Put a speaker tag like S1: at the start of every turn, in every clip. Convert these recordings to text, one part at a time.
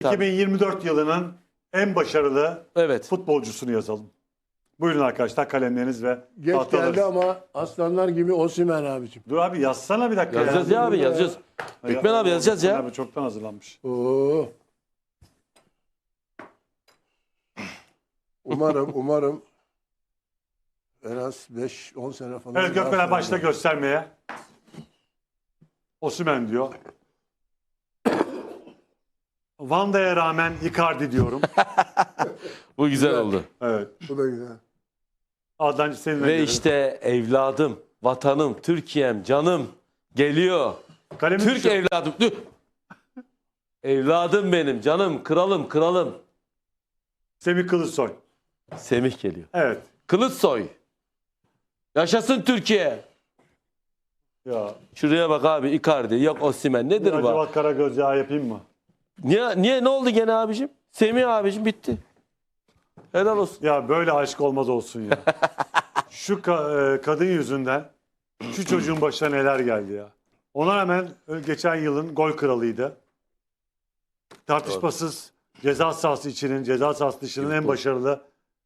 S1: 2024 yılının en başarılı
S2: Evet.
S1: futbolcusunu yazalım. Buyurun arkadaşlar kalemleriniz ve
S3: Geç
S1: tahtalarınız.
S3: geldi ama aslanlar gibi Osimhen abicim.
S1: Dur abi yazsana bir dakika.
S2: Yazacağız ya abi yazacağız. Gökmen abi yazacağız ya.
S1: Abi çoktan hazırlanmış.
S3: Oo. Umarım en az 5-10 sene falan.
S1: Evet Gökmen abi
S3: daha
S1: başla
S3: sonra-
S1: göstermeye. Osimhen diyor. Vanda'ya rağmen Icardi diyorum.
S2: Bu güzel oldu.
S1: Evet.
S3: Bu da güzel.
S1: Adnan seninle
S2: Ve
S1: gidelim.
S2: işte evladım, vatanım, Türkiye'm, canım geliyor.
S1: Kalemi
S2: Türk
S1: düşür.
S2: evladım. Dur. Evladım benim, canım, kralım.
S1: Semih Kılıçsoy.
S2: Semih geliyor.
S1: Evet.
S2: Kılıçsoy. Yaşasın Türkiye.
S1: Ya.
S2: Şuraya bak abi, Icardi, yok Osimhen. Nedir bu?
S1: Acaba Karagöz yağı yapayım mı?
S2: Niye ne oldu gene abicim? Semih abicim bitti. Helal olsun.
S1: Ya böyle aşk olmaz olsun ya. Şu kadın yüzünden şu çocuğun başına neler geldi ya. Ona rağmen geçen yılın gol kralıydı. Tartışmasız ceza sahası içinin, ceza sahası dışının en başarılı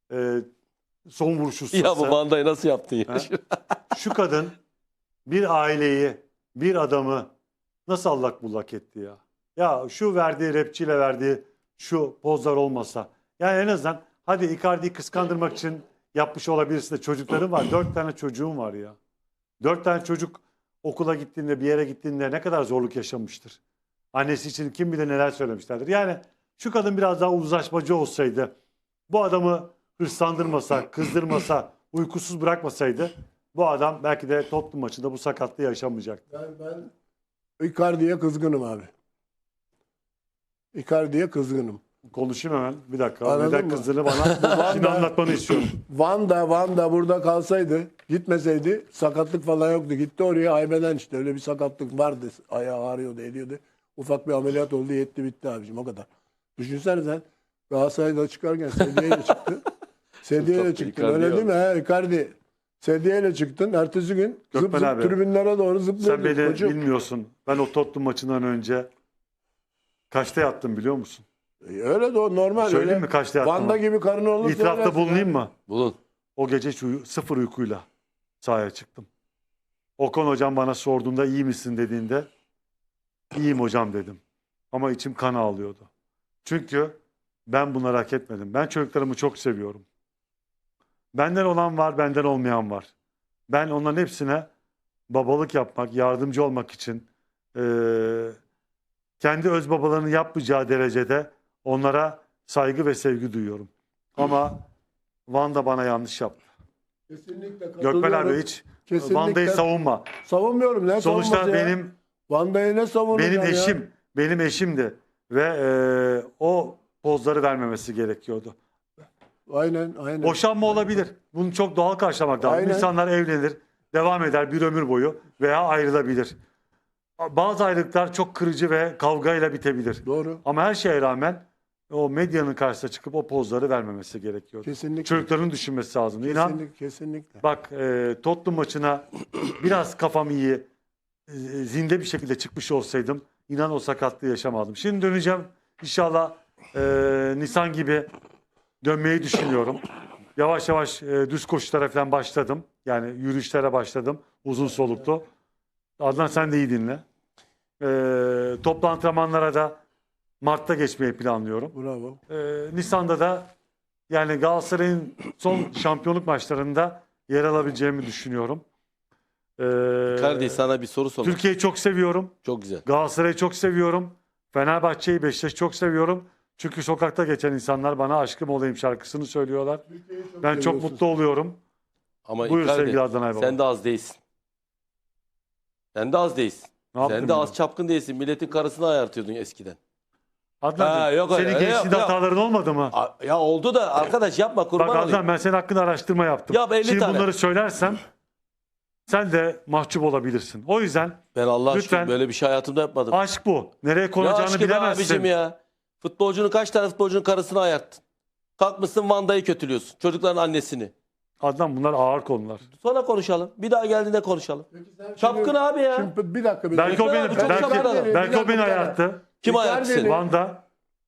S1: son vuruş ustası.
S2: Ya bu Vanda'yı nasıl yaptın ya?
S1: Ha? Şu kadın bir aileyi, bir adamı nasıl allak bullak etti ya. Ya şu verdiği rapçiyle verdiği şu pozlar olmasa. Yani en azından hadi Icardi'yi kıskandırmak için yapmış olabilirsin de çocukların var. 4 tane çocuğum var ya. 4 tane çocuk okula gittiğinde bir yere gittiğinde ne kadar zorluk yaşamıştır. Annesi için kim bilir neler söylemişlerdir. Yani şu kadın biraz daha uzlaşmacı olsaydı, bu adamı hırslandırmasa, kızdırmasa, uykusuz bırakmasaydı bu adam belki de Tottenham maçında bu sakatlığı yaşamayacaktı.
S3: Ben Icardi'ye kızgınım abi. Icardi'ye kızgınım.
S1: Konuşayım hemen. Bir dakika.
S3: Anladın
S1: Neden
S3: mı?
S1: kızdığını bana şimdi anlatmanı istiyorum.
S3: Vanda burada kalsaydı, gitmeseydi sakatlık falan yoktu. Gitti oraya haybeden işte öyle bir sakatlık vardı. Ayağı ağrıyordu, ediyordu. Ufak bir ameliyat oldu, yetti bitti abicim o kadar. Düşünsene sen Galatasaray'da çıkarken sedyeyle çıktı. Sedyeyle çıktın
S2: Icardi
S3: öyle
S2: yok.
S3: değil mi? He, Icardi. Sedyeyle çıktın. Ertesi gün
S1: Gökmen abi,
S3: tribünlere doğru zıplıyordun.
S1: Sen beni
S3: Koçum.
S1: bilmiyorsun. Ben o Tottenham maçından önce kaçta yattım biliyor musun?
S3: Öyle de o normal.
S1: Söyleyeyim
S3: öyle.
S1: mi kaçta yattım?
S3: Vanda gibi karın olur.
S1: İtirafta bulunayım mı?
S2: Bulun.
S1: O gece sıfır uykuyla sahaya çıktım. Okan hocam bana sorduğunda iyi misin dediğinde iyiyim hocam dedim. Ama içim kan ağlıyordu. Çünkü ben bunları hak etmedim. Ben çocuklarımı çok seviyorum. Benden olan var, benden olmayan var. Ben onların hepsine babalık yapmak, yardımcı olmak için kendi öz babalarının yapmayacağı derecede onlara saygı ve sevgi duyuyorum. Ama Vanda bana yanlış yaptı.
S3: Kesinlikle
S1: Gökmen abi hiç
S3: Kesinlikle.
S1: Vanda'yı savunma.
S3: Savunmuyorum. Ne
S1: Sonuçta
S3: savunması ya?
S1: benim
S3: Vanda'yı ne savunacağım ya?
S1: eşim, benim eşimdi ve o pozları vermemesi gerekiyordu.
S3: Aynen.
S1: Boşanma olabilir. Bunu çok doğal karşılamak lazım.
S3: Aynen.
S1: İnsanlar evlenir, devam eder bir ömür boyu veya ayrılabilir. Bazı ayrılıklar çok kırıcı ve kavgayla bitebilir.
S3: Doğru.
S1: Ama her şeye rağmen o medyanın karşısına çıkıp o pozları vermemesi gerekiyordu.
S3: Kesinlikle.
S1: Çocukların düşünmesi lazım. İnan
S3: Kesinlikle.
S1: bak Tottenham maçına biraz kafam iyi, zinde bir şekilde çıkmış olsaydım inan o sakatlığı yaşamazdım. Şimdi döneceğim. İnşallah Nisan gibi dönmeyi düşünüyorum. Yavaş yavaş düz koşulara falan başladım. Yani yürüyüşlere başladım. Uzun soluklu. Adnan sen de iyi dinle. Toplu antrenmanlara da Mart'ta geçmeyi planlıyorum.
S3: Bravo.
S1: Nisan'da da yani Galatasaray'ın son şampiyonluk maçlarında yer alabileceğimi düşünüyorum.
S2: Icardi sana bir soru sormak.
S1: Türkiye'yi çok seviyorum.
S2: Çok güzel.
S1: Galatasaray'ı çok seviyorum. Fenerbahçe'yi, Beşiktaş'ı çok seviyorum. Çünkü sokakta geçen insanlar bana aşkım olayım şarkısını söylüyorlar. Ben çok
S3: seviyorsun.
S1: mutlu oluyorum.
S2: Ama
S1: Buyur
S2: Icardi,
S1: sevgili Adnan Aybaba.
S2: sen de az değilsin. Sen de az değilsin.
S1: Ne yaptım
S2: Sen de
S1: ya?
S2: az çapkın değilsin. Milletin karısını ayartıyordun eskiden.
S1: Adnancığım,
S2: Ha, yok
S1: senin
S2: öyle.
S1: gençliğinde
S2: Yok.
S1: hataların olmadı mı?
S2: Ya oldu da arkadaş yapma kurban
S1: Bak
S2: olayım.
S1: Adnan ben senin hakkında araştırma yaptım.
S2: Yap 50
S1: Şimdi
S2: tane.
S1: bunları söylersem sen de mahcup olabilirsin. O yüzden
S2: Ben Allah aşkına
S1: lütfen
S2: böyle bir şey hayatımda yapmadım.
S1: aşk bu. Nereye
S2: Ne
S1: konacağını
S2: aşkı be
S1: bilemezsin.
S2: abicim ya. Kaç tane futbolcunun karısını ayarttın. Kalkmışsın Vanda'yı kötülüyorsun. Çocukların annesini.
S1: Adnan bunlar ağır konular.
S2: Sonra konuşalım. Bir daha geldiğinde konuşalım. Çapkın abi ya.
S3: Şimdi bir dakika.
S1: Belki o
S2: Gökmen
S1: beni
S2: abi çok
S1: belki,
S2: şapkalı.
S1: belki o beni ayarttı.
S2: Kim
S3: Icardi'nin-
S2: ayarttı seni?
S1: Vanda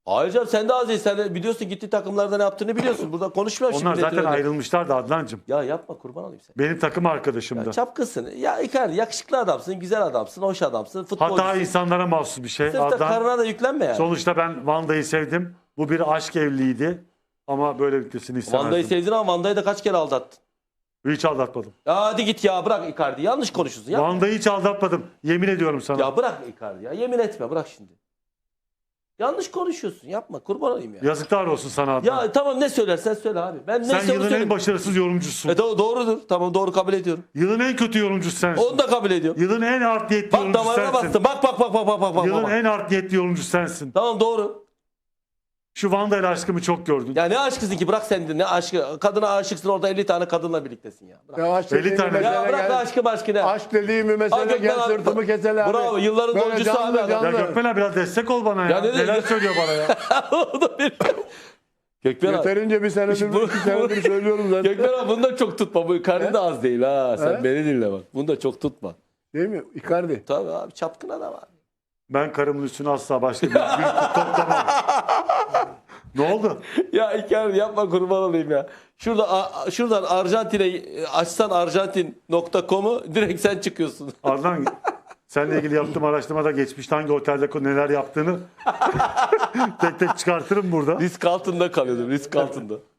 S2: Hayır canım sen de az değil. Sen de biliyorsun gitti takımlarda ne yaptığını biliyorsun. Burada konuşmuyorum
S1: Onlar
S2: şimdi.
S1: zaten
S2: milletin önünde.
S1: ayrılmışlardı Adnancığım.
S2: Ya yapma kurban olayım sen.
S1: Benim takım arkadaşımdı.
S2: Ya çapkınsın. Ya Icardi yakışıklı adamsın, güzel adamsın, hoş adamsın, futbolcusun.
S1: Hatta insanlara mahsus bir şey.
S2: Sırf da
S1: Adnan,
S2: karına da yüklenme yani.
S1: sonuçta ben Vanda'yı sevdim. Bu bir aşk evliliğiydi. Ama böyle bitmesini
S2: Vanda'yı
S1: istemezdim.
S2: sevdin ama Vanda'yı da kaç kere aldattın.
S1: Hiç aldatmadım.
S2: Ya hadi git ya bırak Icardi. Yanlış konuşuyorsun. Ya,
S1: Vanda'yı hiç aldatmadım. Yemin ediyorum sana.
S2: ya bırak Icardi ya. Yemin etme bırak şimdi. Yanlış konuşuyorsun. Yapma kurban olayım ya.
S1: Yazıklar olsun sana Adnan.
S2: Ya tamam ne söylersen söyle abi. Ben ne
S1: Sen yılın en
S2: söyleyeyim.
S1: başarısız yorumcusun.
S2: Doğrudur. Tamam doğru kabul ediyorum.
S1: Yılın en kötü yorumcusu sensin.
S2: Onu da kabul ediyorum.
S1: Yılın en art niyetli
S2: Bak
S1: yorumcusu
S2: damarına
S1: sensin.
S2: bastın. Bak.
S1: Yılın
S2: bak.
S1: en art niyetli yorumcusu sensin.
S2: Tamam doğru.
S1: Şu Vanda ile aşkımı çok gördün.
S2: Ya ne aşkısın ki bırak sen de ne aşkı. Kadına aşıksın orada 50 tane kadınla birliktesin ya. Bırak.
S3: Ya aşk
S1: 50
S3: dediğim
S1: tane.
S3: mesele
S2: Ya bırak
S3: gel.
S2: aşkı başkı ne?
S3: Aşk dediğim bir
S2: Ha,
S3: mesele
S2: Gökmen
S3: gel
S2: abi,
S3: sırtımı keseler abi.
S2: bravo, yılların
S3: Böyle
S2: golcüsü
S3: canlı
S2: abi adam.
S1: Ya
S3: canlı.
S1: Gökmen abi biraz destek ol bana ya.
S2: Ya ne-
S1: Neler söylüyor bana ya.
S2: O da bir- Gökmen abi.
S3: Yeterince bir senedir,
S2: Bu-
S3: 2 senedir söylüyorum zaten.
S2: Gökmen abi bunu da çok tutma. Bu karnı da az değil ha. Sen
S3: He?
S2: beni dinle bak. Bunu da çok tutma.
S3: Değil mi? Icardi.
S2: Tabii abi çapkın adam abi.
S1: Ben karımın üstüne asla başka bir toplamam. Ne oldu?
S2: Ya Icardi yapma kurban olayım ya. Şuradan Arjantin'e açsan arjantin.com'u direkt sen çıkıyorsun.
S1: Adnan seninle ilgili yaptığım araştırmada geçmişte hangi otelde neler yaptığını tek tek çıkartırım burada.
S2: Risk altında kalıyordum risk altında.